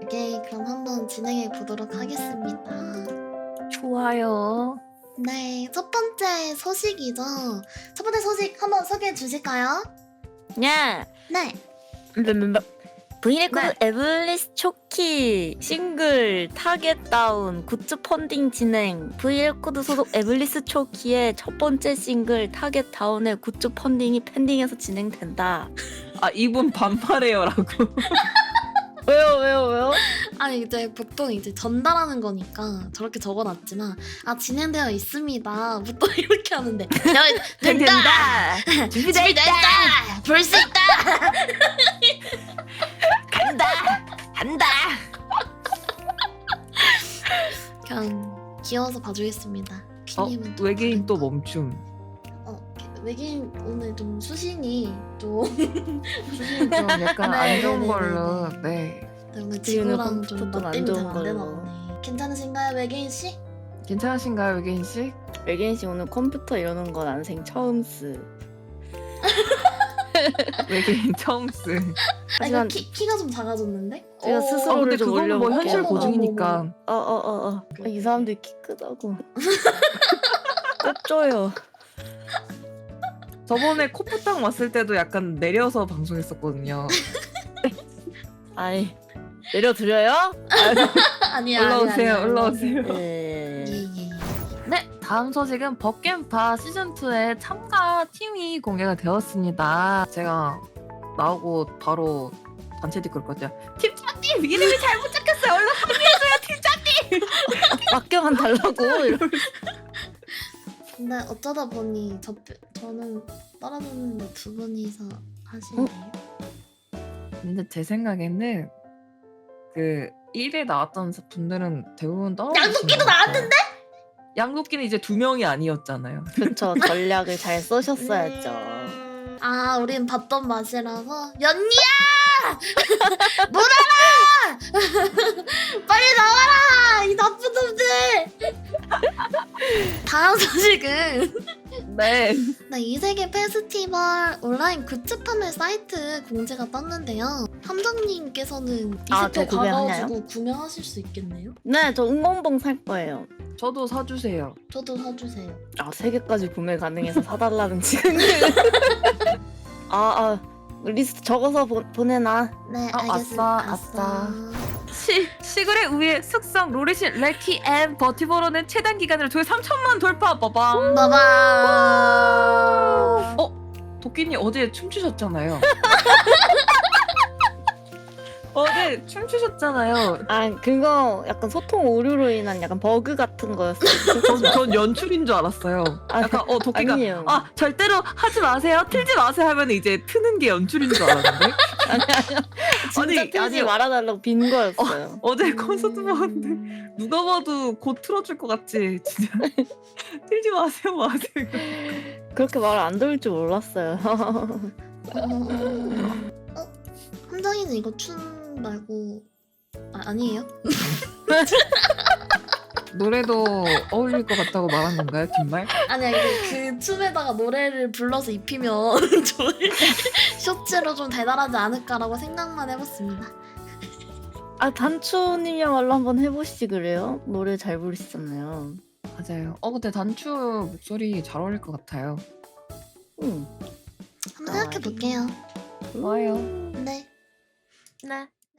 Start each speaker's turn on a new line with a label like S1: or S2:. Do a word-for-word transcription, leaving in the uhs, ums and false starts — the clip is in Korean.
S1: 오케이, 그럼 한번 진행해 보도록 하겠습니다.
S2: 좋아요.
S1: 네, 첫 번째 소식이죠. 첫 번째 소식 한번 소개해 주실까요?
S2: 야,
S1: 네.
S2: 브이레코드
S1: 네.
S2: 에블리스 초키 싱글 타겟 다운 굿즈 펀딩 진행. 브이레코드 소속 에블리스 초키의 첫 번째 싱글 타겟 다운의 굿즈 펀딩이 펜딩해서 진행된다.
S3: 아 이분 반말해요라고.
S2: 왜요, 왜요, 왜요?
S1: 아니 이제 보통 이제 전달하는 거니까 저렇게 적어놨지만 아 진행되어 있습니다. 부터 이렇게 하는데 야, 된다.
S2: 된다. 준비돼 있다.
S1: 볼 수 있다.
S2: 간다. 간다.
S1: 그냥 귀여워서 봐주겠습니다.
S3: 어
S1: 퀴님은 또
S3: 외계인 또
S1: 다른가?
S3: 멈춤.
S1: 어 외계인 오늘 좀 수신이 좀
S3: 수신 좀 약간
S1: 네,
S3: 안 좋은
S1: 네, 네,
S3: 걸로.
S1: 네,
S3: 네.
S1: 오늘
S2: 지금은
S1: 지구랑 좀
S2: 컴퓨터도 안
S1: 맞대면
S2: 좋은
S1: 잘안
S2: 걸로.
S1: 되나 보네. 괜찮으신가요 외계인 씨?
S3: 괜찮으신가요 외계인 씨?
S2: 외계인 씨 오늘 컴퓨터 이러는 건 난생 처음 쓰.
S3: 외계인 처음 쓰.
S1: 아 이거
S2: 하지만
S1: 키, 키가 좀 작아졌는데?
S2: 제가
S1: 어,
S2: 스스로
S3: 아 근데
S2: 좀
S3: 그거는 뭐
S2: 올려볼게요.
S3: 현실
S1: 어머,
S3: 고증이니까.
S2: 어어어어. 이 사람들 키 크다고. 꼽줘요.
S3: 저번에 코프탕 왔을 때도 약간 내려서 방송했었거든요.
S2: 아이 내려드려요?
S1: 아니야
S3: 올라오세요,
S1: 아니야, 아니야,
S3: 올라오세요.
S2: 네.
S1: 예예.
S3: 네, 다음 소식은 법겜파 시즌이의 참가 팀이 공개가 되었습니다. 제가 나오고 바로 단체 댓글 거죠. 팀장님 이름이 잘못 적혔어요. 얼른 합류해줘요 팀장님.
S2: 맡겨만 달라고. 이러-
S1: 근데 어쩌다 보니 저 저는 떨어졌는데 두 분이서 하시네요.
S3: 근데 제 생각에는 그 일 회 나왔던 분들은 대부분 떨어지신
S1: 양도끼도
S3: 것 같아요.
S1: 나왔는데?
S3: 양도끼는 이제 두 명이 아니었잖아요.
S2: 그쵸, 전략을 잘 써셨어야죠.
S1: 음, 아 우린 봤던 맛이라서 연니야 물어라 빨리 나와라 이 나쁜 놈들. 다음 소식은
S3: 네.
S1: 네, 이세계 페스티벌 온라인 굿즈 판매 사이트 공지가 떴는데요. 함정님께서는
S2: 아,
S1: 이십회
S2: 저 구매하나요?
S1: 가가지고 구매하실 수 있겠네요?
S2: 네, 저 응원봉 살 거예요.
S3: 저도 사주세요.
S1: 저도 사주세요.
S2: 아, 세 개까지 구매 가능해서 사달라는 지금. 아, 아, 리스트 적어서 보, 보내놔.
S1: 네,
S3: 아,
S1: 알겠습니다.
S3: 아싸, 아싸. 시, 시글의 우의 숙성 로리신 레키 앤 버티버로는 최단 기간으로 조회 삼천만 돌파. 빠밤.
S1: 봐봐.
S3: 어? 도끼님 어제 춤추셨잖아요. 어제 춤추셨잖아요.
S2: 아, 그거 약간 소통 오류로 인한 약간 버그 같은 거였어요.
S3: 전, 전 연출인 줄 알았어요.
S2: 아,
S3: 약간 어 도끼가
S2: 아니에요.
S3: 아 절대로 하지 마세요, 틀지 마세요 하면 이제 트는 게 연출인 줄 알았는데
S2: 아니, 아니요. 진짜
S3: 아니,
S2: 틀지
S3: 아니,
S2: 말아달라고 빈 거였어요.
S3: 어제 콘서트 봤는데 누가 봐도 곧 틀어줄 것 같지 진짜. 틀지 마세요 마세요.
S2: 그렇게 말 안 들을 줄 몰랐어요.
S1: 어, 어, 함정이는 이거 춤 말고 아, 아니에요?
S3: 노래도 어울릴 것 같다고 말한 건가요, 뒷말?
S1: 아니야 이게 그 춤에다가 노래를 불러서 입히면 저희 쇼츠로 좀 대단하지 않을까라고 생각만 해봤습니다.
S2: 아, 단추님이야말로 한번 해보시지 그래요? 노래 잘 부르시잖아요.
S3: 맞아요. 어 근데 단추 목소리 잘 어울릴 것 같아요.
S2: 응.
S1: 한번 생각해 볼게요.
S3: 좋아요.
S1: 네.
S2: 네.